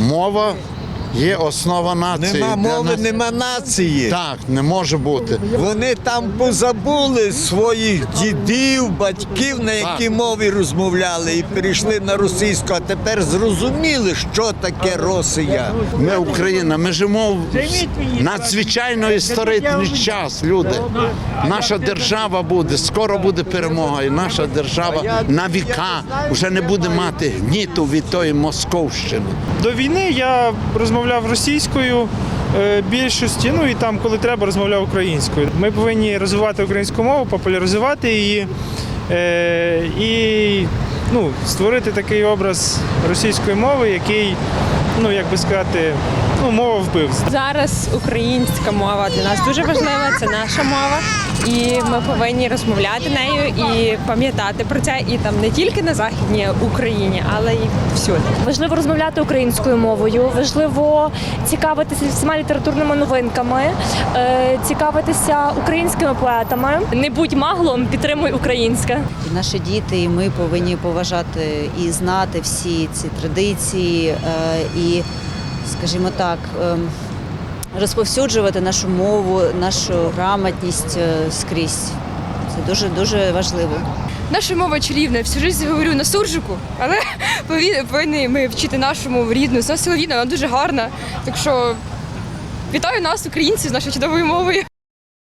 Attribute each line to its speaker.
Speaker 1: Мова є основа нації.
Speaker 2: Нема
Speaker 1: Для
Speaker 2: мови,
Speaker 1: нас-
Speaker 2: нема нації.
Speaker 1: Так, не може бути.
Speaker 2: Вони там позабули своїх дідів, батьків, на якій мові розмовляли, і перейшли на російську, а тепер зрозуміли, що таке Росія.
Speaker 1: Ми Україна, ми живемо в надзвичайно історичний час, люди. Наша держава буде, скоро буде перемога, і наша держава на віка вже не буде мати гніту від тої Московщини.
Speaker 3: До війни я розмовляв російською більшості, ну і там, коли треба, розмовляв українською. Ми повинні розвивати українську мову, популяризувати її і створити такий образ російської мови, який, як би сказати, мова вбивств.
Speaker 4: Зараз українська мова для нас дуже важлива, це наша мова, і ми повинні розмовляти нею і пам'ятати про це, і там не тільки на Західній Україні, але й всюди.
Speaker 5: Важливо розмовляти українською мовою, важливо цікавитися всіма літературними новинками, цікавитися українськими поетами. Не будь маглом, підтримуй українське.
Speaker 6: Наші діти і ми повинні поважати і знати всі ці традиції і, скажімо так, розповсюджувати нашу мову, нашу грамотність скрізь. Це дуже важливо.
Speaker 7: Наша мова чарівна, всю життя говорю на суржику, але повинні ми вчити нашу мову рідну, солов'їна, вона дуже гарна. Так що вітаю нас, українців, з нашою чудовою мовою.